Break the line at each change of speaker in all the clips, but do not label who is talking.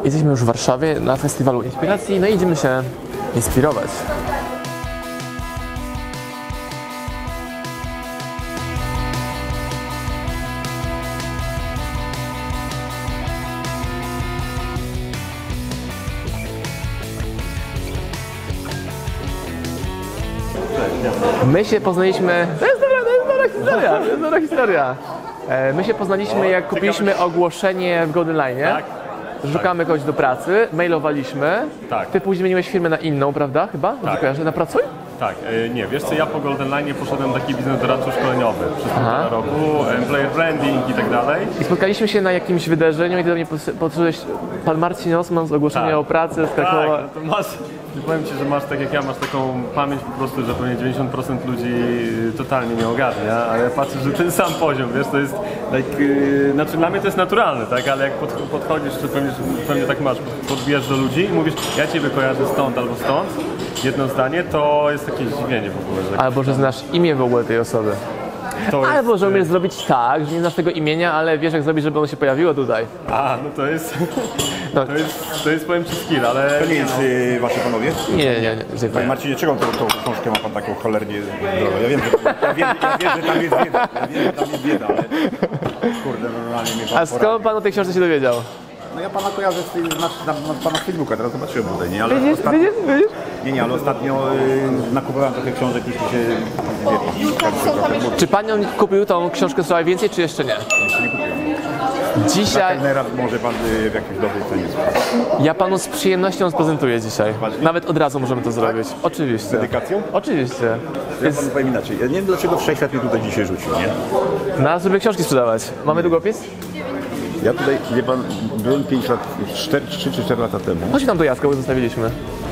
Jesteśmy już w Warszawie na festiwalu inspiracji, no i idziemy się inspirować. My się poznaliśmy... To jest dobra historia. My się poznaliśmy, jak kupiliśmy ogłoszenie w Golden Line.
Tak.
Szukamy kogoś do pracy, mailowaliśmy.
Tak.
Ty później zmieniłeś firmę na inną, prawda? Chyba?
Tak.
Kojarzę, na Pracuj?
Tak, nie, wiesz co, ja po Golden Line poszedłem taki biznes doradczy szkoleniowy przez półtora roku, employer branding i tak dalej.
I spotkaliśmy się na jakimś wydarzeniu i ty do mnie podszedłeś, pan Marcin Osman z ogłoszenia
Tak.
o pracy z Krakowa.
Tak, no to masz, powiem Ci, że masz tak jak ja, masz taką pamięć po prostu, że pewnie 90% ludzi totalnie nie ogarnia, ale patrzę, że ten sam poziom, wiesz, to jest, znaczy dla mnie to jest naturalne, tak, ale jak podchodzisz, czy pewnie tak masz, podbijasz do ludzi i mówisz, ja Ciebie kojarzę stąd albo stąd, jedno zdanie, to jest takie zdziwienie w ogóle. Że
Albo, że znasz imię w ogóle tej osoby. Albo, że umiesz zrobić tak, że nie znasz tego imienia, ale wiesz jak zrobić, żeby ono się pojawiło tutaj.
A, no to jest, to jest powiem Ci skill, ale...
To nie jest wasze panowie?
Nie.
Panie Marcinie, czego tą książkę ma pan taką cholernie drogą? Ja wiem, że tam jest bieda, ale kurde, normalnie mnie pan
A skąd pan o tej książce się dowiedział?
No ja pana kojarzę z pana Facebooka, teraz zobaczyłem tutaj, nie? Ale
Widzisz?
Nie, ale ostatnio nakupowałem trochę książek, już mi się
Czy pan ją kupił tą książkę Słuchaj Więcej, czy jeszcze nie?
nie kupiłem.
Dzisiaj
Teraz może pan w jakiejś dobrej cenie sprzedać.
ja panu z przyjemnością sprezentuję dzisiaj. Nawet od razu możemy to zrobić. Oczywiście.
Z dedykacją?
Oczywiście.
Ja panu powiem inaczej. Ja nie wiem, dlaczego Wszechświat mnie tutaj dzisiaj rzucił, nie?
Na żeby książki sprzedawać. Mamy długopis?
Ja tutaj, wie pan, byłem 5 lat, 3 czy 4 lata temu.
Chodź tam do Jacka, bo zostawiliśmy.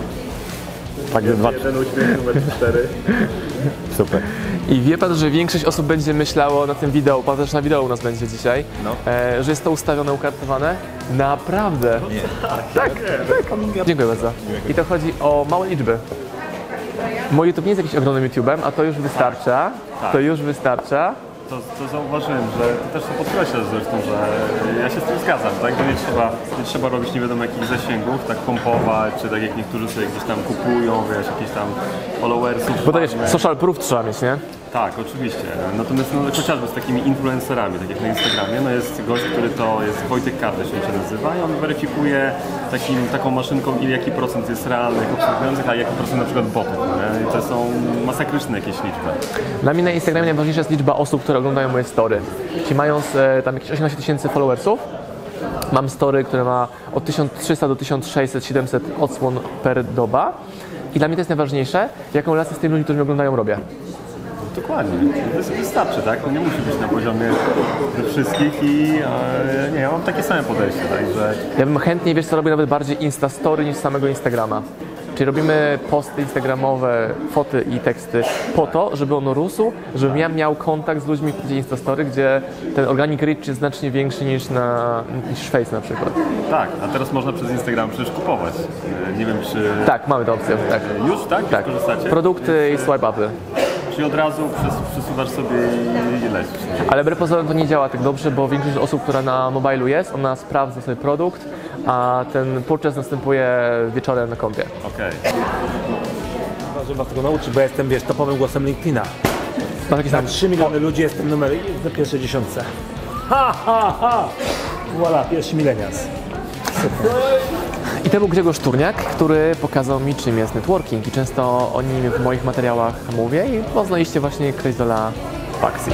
Tak, że 2,
Ten uśmiech numer 4.
super.
I wie pan, że większość osób będzie myślało na tym wideo, pan też na wideo u nas będzie dzisiaj, że jest to ustawione, ukartowane. Naprawdę.
Nie.
Tak. Dziękuję bardzo. I to chodzi o małe liczby. Mój YouTube nie jest jakimś ogromnym YouTube'em, a to już wystarcza. To już wystarcza.
To zauważyłem, że ty też to podkreślasz zresztą, że ja się z tym zgadzam, tak? Że nie trzeba robić nie wiadomo jakich zasięgów, tak pompować, czy tak jak niektórzy sobie gdzieś tam kupują, wiesz, jakieś tam followersów.
Bo to wiesz, social proof trzeba mieć, nie?
Tak, oczywiście. Natomiast no, chociażby z takich influencerami, tak jak na Instagramie, no jest gość, który to jest Wojtek Kardysz, on się nazywa i on weryfikuje taką maszynką, jaki procent jest realnych obserwujących, a jaki procent na przykład botów. Nie? I to są masakryczne jakieś liczby.
Dla mnie na Instagramie najważniejsza jest liczba osób, które oglądają moje story. Czyli mając tam jakieś 18 tysięcy followersów, mam story, które ma od 1300 do 1600, 700 odsłon per doba. I dla mnie to jest najważniejsze, jaką relację z tymi ludźmi, którzy mnie oglądają, robię.
Dokładnie. Wystarczy, tak? No nie musi być na poziomie wszystkich i nie, ja mam takie same podejście, także...
Ja bym chętnie, wiesz co, robię nawet bardziej Instastory niż samego Instagrama. Czyli robimy posty instagramowe, foty i teksty po to, żeby on rósł, żebym ja miał kontakt z ludźmi w Instastory, gdzie ten organic reach jest znacznie większy niż Face na przykład.
Tak, a teraz można przez Instagram przecież kupować. Nie wiem czy...
Tak, mamy tę opcję, tak.
Już, tak?
Tak.
Korzystacie?
Produkty i swipe upy.
Czyli od razu przesuwasz sobie i lecisz.
Ale wbrew pozorom to nie działa tak dobrze, bo większość osób, która na mobilu jest, ona sprawdza sobie produkt, a ten purchase następuje wieczorem na kompie.
Okej.
Że was tego nauczy, bo ja jestem, wiesz, topowym głosem LinkedIna.
Masz jakieś
Na
tam...
3 miliony ludzi jestem numer na pierwszej dziesiątce. Ha, ha, ha! Voilà, pierwszy milenials.
I to był Grzegorz Turniak, który pokazał mi, czym jest networking i często o nim w moich materiałach mówię i poznaliście właśnie Crazola Paxi.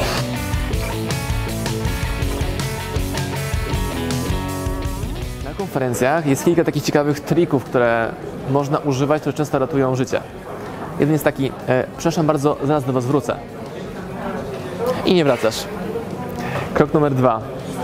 Na konferencjach jest kilka takich ciekawych trików, które można używać, które często ratują życie. Jeden jest taki, przepraszam bardzo, zaraz do was wrócę. I nie wracasz. Krok numer 2.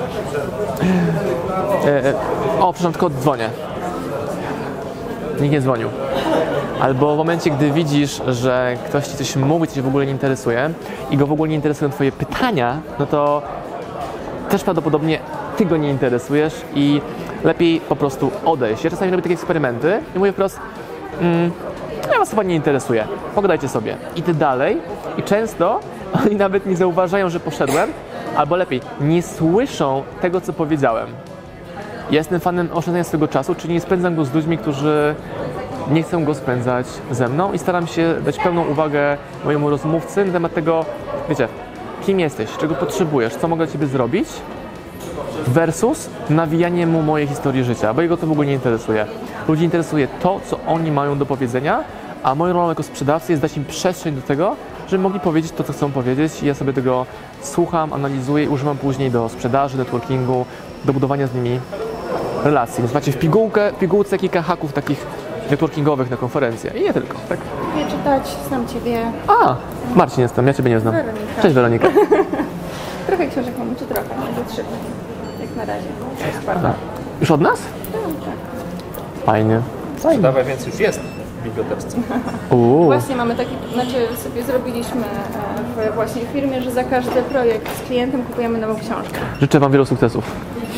Przepraszam, tylko dzwonię. Nikt nie dzwonił. Albo w momencie, gdy widzisz, że ktoś ci coś mówi, co cię w ogóle nie interesuje i go w ogóle nie interesują twoje pytania, no to też prawdopodobnie ty go nie interesujesz i lepiej po prostu odejść. Ja czasami robię takie eksperymenty i mówię wprost, ja was chyba nie interesuje, pogadajcie sobie. Idę dalej i często oni nawet nie zauważają, że poszedłem, albo lepiej, nie słyszą tego, co powiedziałem. Ja jestem fanem oszczędzania swojego czasu, czyli nie spędzam go z ludźmi, którzy nie chcą go spędzać ze mną i staram się dać pełną uwagę mojemu rozmówcy na temat tego, wiecie, kim jesteś, czego potrzebujesz, co mogę dla ciebie zrobić, versus nawijanie mu mojej historii życia, bo jego to w ogóle nie interesuje. Ludzi interesuje to, co oni mają do powiedzenia, a moją rolą jako sprzedawcy jest dać im przestrzeń do tego, żeby mogli powiedzieć to, co chcą powiedzieć i ja sobie tego słucham, analizuję i używam później do sprzedaży, networkingu, do budowania z nimi relacji. Więc macie w pigułce kilka haków takich networkingowych na konferencję i nie tylko, tak?
Lubię czytać, znam Ciebie.
A, Marcin jestem, ja Ciebie nie znam.
Weronika.
Cześć Weronika.
Trochę książek mamy, czy trochę, może 3. Jak na razie. To jest bardzo.
Już od nas? Fajnie.
Dawaj, więc już jest w bibliotece.
Właśnie mamy taki, znaczy sobie zrobiliśmy właśnie w firmie, że za każdy projekt z klientem kupujemy nową książkę.
Życzę Wam wielu sukcesów.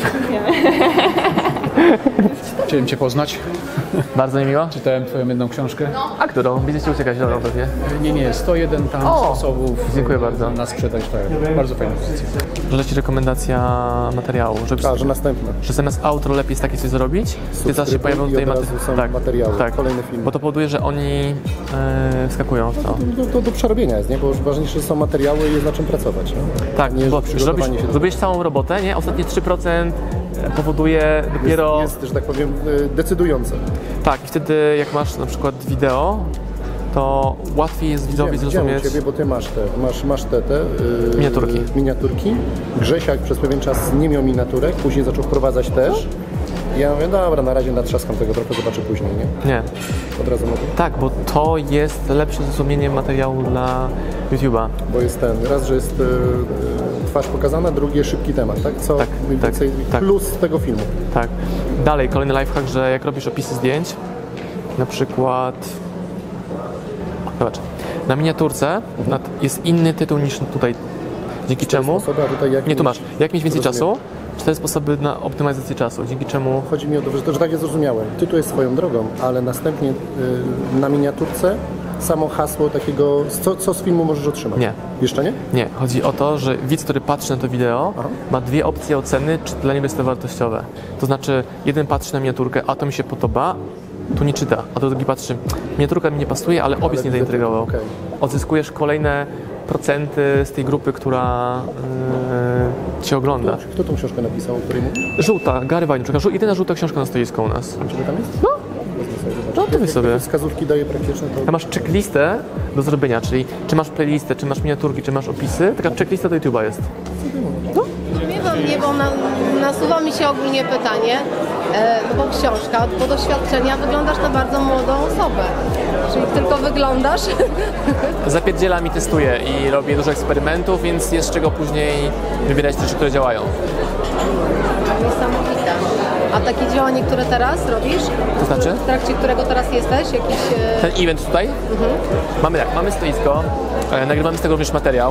Chciałem Cię poznać.
Bardzo mi miło.
Czytałem Twoją jedną książkę.
A którą? Będziecie uciekać, dobra, pewnie.
Nie, 101 tam
O!
sposobów
Dziękuję bardzo.
na sprzedaż. Tak. Bardzo fajna pozycja.
Że Ci rekomendacja materiału,
że następne.
że zamiast outro lepiej jest takie coś zrobić, Ty zaraz się pojawią tutaj
i od razu są materiały, kolejne filmy.
Bo to powoduje, że oni wskakują w to.
To do przerobienia jest, nie? Bo ważniejsze są materiały i jest na czym pracować. Nie?
Tak,
Nie,
bo
że przygotowanie się
zrobisz całą robotę, nie? Ostatnie 3% powoduje dopiero...
jest, że tak powiem, decydujące.
Tak, i wtedy jak masz na przykład wideo, to łatwiej jest widzowi zrozumieć...
Ciebie, bo ty masz te
Miniaturki.
Grzesiak przez pewien czas nie miał miniaturek, później zaczął wprowadzać też. Ja mówię, dobra, na razie natrzaskam tego trochę, zobaczę później, nie?
Nie.
Od razu mówię.
Tak, bo to jest lepsze zrozumienie materiału dla YouTube'a.
Bo jest raz, że jest twarz pokazana, drugie szybki temat, tak? Co
Tak,
mniej więcej
tak.
plus tego filmu.
Tak. Dalej, kolejny lifehack, że jak robisz opisy zdjęć, na przykład... Zobacz, na miniaturce jest inny tytuł niż tutaj. Dzięki czemu...
Sposoby, a tutaj
Nie, tu masz. Jak mieć więcej
Rozumiem.
czasu? 4 sposoby na optymalizację czasu, dzięki czemu...
Chodzi mi o to, że tak jest zrozumiałe. Tytuł jest swoją drogą, ale następnie na miniaturce samo hasło takiego, co z filmu możesz otrzymać.
Nie.
Jeszcze nie?
Nie, chodzi o to, że widz, który patrzy na to wideo, ma 2 opcje oceny, czy dla niego jest to wartościowe. To znaczy, jeden patrzy na miniaturkę, a to mi się podoba, tu nie czyta, a drugi patrzy, miniaturka mi nie pasuje, ale opis nie zaintrygował.
okej.
Odzyskujesz kolejne procenty z tej grupy, która Cię ogląda.
Kto tą książkę napisał, o której mówisz?
Żółta, Gary Vaynerchuk, jedyna żółta książka na stoisku u nas.
Czy tam jest?
No.
Wezmę sobie, zobaczę.
No to weź sobie.
Jak wskazówki daje praktyczne, to...
Tam masz checklistę do zrobienia, czyli czy masz playlistę, czy masz miniaturki, czy masz opisy, taka checklista do YouTube'a jest.
Nie, bo nasuwa mi się ogólnie pytanie, no bo książka, po doświadczenia wyglądasz na bardzo młodą osobę. Czyli tylko wyglądasz.
Zapierdzielam i testuję i robię dużo eksperymentów, więc jest z czego później wybierać rzeczy, które działają.
Niesamowite. A takie działanie, które teraz robisz?
To znaczy?
W trakcie którego teraz jesteś? Jakiś...
Ten event tutaj, mamy stoisko, nagrywamy z tego również materiał,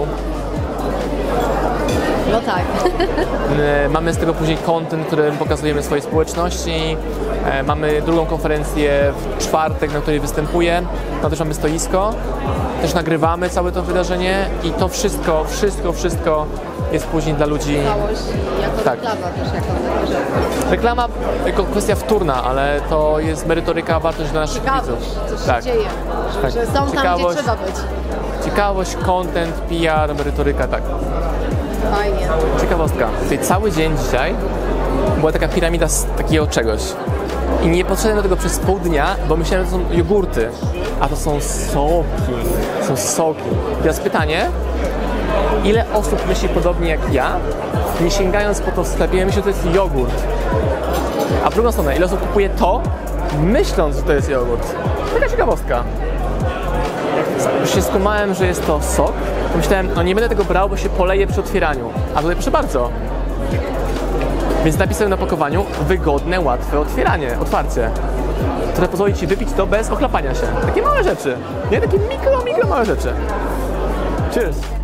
No tak.
mamy z tego później content, który pokazujemy swojej społeczności, mamy drugą konferencję w czwartek, na której występuję, tam też mamy stoisko, też nagrywamy całe to wydarzenie i to wszystko jest później dla ludzi.
Całość jako
Tak.
reklama też jako taka rzecz.
Reklama jako kwestia wtórna, ale to jest merytoryka, wartość dla naszych
Ciekawość,
widzów.
coś się dzieje.
Tak.
Że są tam, gdzie
Ciekawość.
trzeba być.
Ciekawość, content, PR, merytoryka, tak.
Fajnie.
Ciekawostka. Tutaj cały dzień dzisiaj była taka piramida z takiego czegoś. I nie podszedłem do tego przez pół dnia, bo myślałem, że to są jogurty. A to są soki. Są soki. Teraz pytanie, ile osób myśli podobnie jak ja, nie sięgając po to w sklepie, myślą, że to jest jogurt. A w drugą stronę, ile osób kupuje to, myśląc, że to jest jogurt. Taka ciekawostka. Już się skumałem, że jest to sok, to myślałem, no nie będę tego brał, bo się poleje przy otwieraniu. A tutaj proszę bardzo. Więc napisałem na pakowaniu wygodne, łatwe otwarcie, które pozwoli Ci wypić to bez ochlapania się. Takie małe rzeczy. Nie takie mikro małe rzeczy. Cheers!